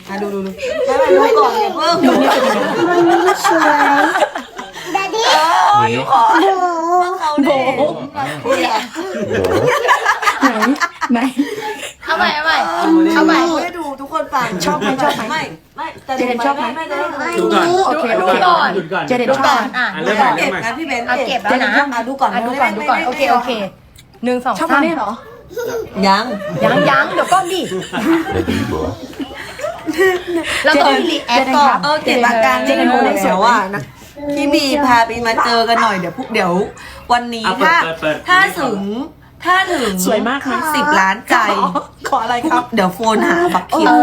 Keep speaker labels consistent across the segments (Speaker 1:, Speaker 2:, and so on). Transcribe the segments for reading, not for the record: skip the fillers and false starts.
Speaker 1: ดูไม่ดูก่อนอย่าเพิ่งดูสวยดัดดี้ดูก่อนเขาเด็ก
Speaker 2: ไหน
Speaker 3: เอาใหม่
Speaker 1: ให้ดูทุกคนฟังชอบไหมไม่แต่เด็กชอบไหมไม่ได้
Speaker 4: ดูก่อน
Speaker 2: โอเค
Speaker 4: ดูก่อนหยุดก่อน
Speaker 2: เจเด็ดชอบ
Speaker 4: เริ่มใหม่
Speaker 1: เก็บ
Speaker 4: เริ่มใหม่
Speaker 1: นะพี่เบน
Speaker 3: เก็บแล้วนะ
Speaker 1: ดูก่อน
Speaker 3: ดูก่อนโอเค1 2
Speaker 2: ชอบมาเนี่ยเหรอ
Speaker 1: ยัง
Speaker 3: ยังเดี๋ยวก่อนดิเราต้องมีรีแอคก่อน
Speaker 1: เก็บอาการไม่รู้แล้วอ่ะนะพี่บีพาไปมาเจอกันหน่อยเดี๋ยววันนี้ถ้าถึง
Speaker 2: สวยมากนะ
Speaker 1: 10 ล้านใจ
Speaker 2: ขออะไรครับ
Speaker 1: เดี๋ยวโฟนหาบักคิว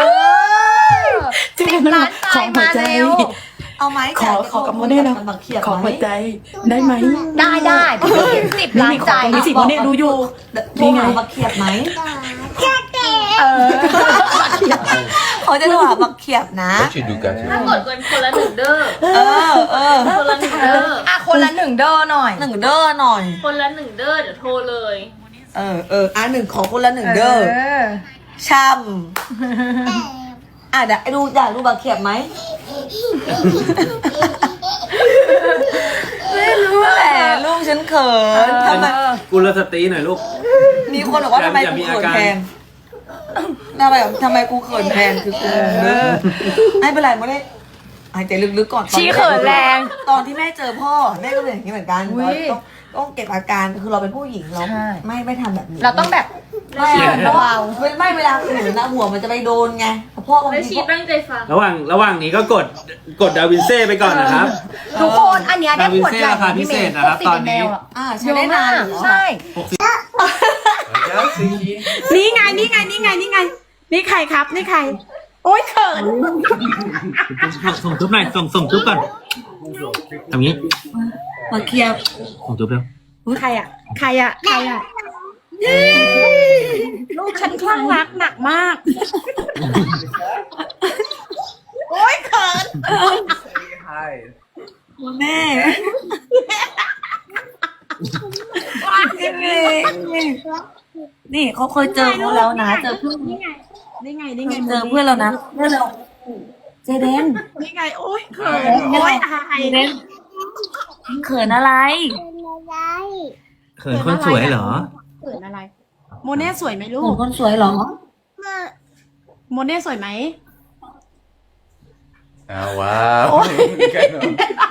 Speaker 3: 10 ล้านใจมาเร็ว
Speaker 1: เอาไหม
Speaker 2: ขอกับโมเน่แล้วขอหัวใจได้ไหม
Speaker 3: ได้10 ล้านใจ
Speaker 2: มีสิโมเน่ดูอยู่
Speaker 1: นี่ไงบักเขียบไหมเขาจะโทรหาบักเขียบนะ
Speaker 5: What you do, got
Speaker 6: ถ้ากดกันคนละ1 เด้อ คนละ1 เด้อ
Speaker 3: คนละ1 เด้อหน่อย
Speaker 1: 1 เด้อหน่อย
Speaker 6: คนละ1 เด้อเดี๋ยวโทรเลย
Speaker 1: 1ขอคนละ1 เด้อช่ำเดี๋ยวอยากดูบักเขียบไหมไม่รู้แหละลูกฉันเขินทำไม
Speaker 4: กุลสตรีหน่อยลูก
Speaker 1: มีคนบอกว่าทำไมกูเขินแทนทำไมกูเขินแทนคือกูไม่เป็นไรไม่ได้หายใจลึกๆก่อน
Speaker 3: ชี้เขินแรง
Speaker 1: ตอนที่แม่เจอพ่อแม่ก็เป็นอย่างนี้เหมือนกันต้องเก็บอาการคือเราเป็นผู้หญิงเราไม่ทำแบบนี้
Speaker 3: เราต้องแบบ
Speaker 1: เบาไม่เวลาเขินนะหัวมันจะไปโดนไงพ่อบาง
Speaker 6: แล้ว
Speaker 1: ที
Speaker 6: ชีตั้งใจฟัง
Speaker 4: ระหว่างนี้ก็กดดาวินเซ่ไปก่อนนะครับ
Speaker 3: ทุกคนอันเนี้ยได้ขวดใหญ่
Speaker 4: ราคาพิเศษนะครับตอนนี้
Speaker 1: ใช้ได้นาน
Speaker 3: ใช่
Speaker 2: นี่ไงนี่ใครครับนี่ใครโอ๊ยเขิน
Speaker 4: ส่งทุบหน่อยส่งทุบก่อนทำงี้
Speaker 1: มาเคลียร์
Speaker 4: ส่งทุบเร็ว
Speaker 2: ใครอ่ะลูกฉันคลั่งรักหนักมากโอ๊ยเขิน
Speaker 1: แม่นี่เขาเคยเจอเขาแล้วนะเจอเพื่อน
Speaker 2: นี่ไง
Speaker 1: เจอเพื่อนเรานะเพื่อนเราเจเดน
Speaker 2: นี่ไงโอ๊ยเขินโอ๊ยอาย
Speaker 1: เขินอะไร
Speaker 4: เขินคนสวยเหรอ
Speaker 2: เขินอะไรโมเน่สวยไหมลู
Speaker 1: เขิน
Speaker 2: ก
Speaker 1: คนสวยเหรอ
Speaker 2: โมเน่สวยไหม
Speaker 5: Oh, wow.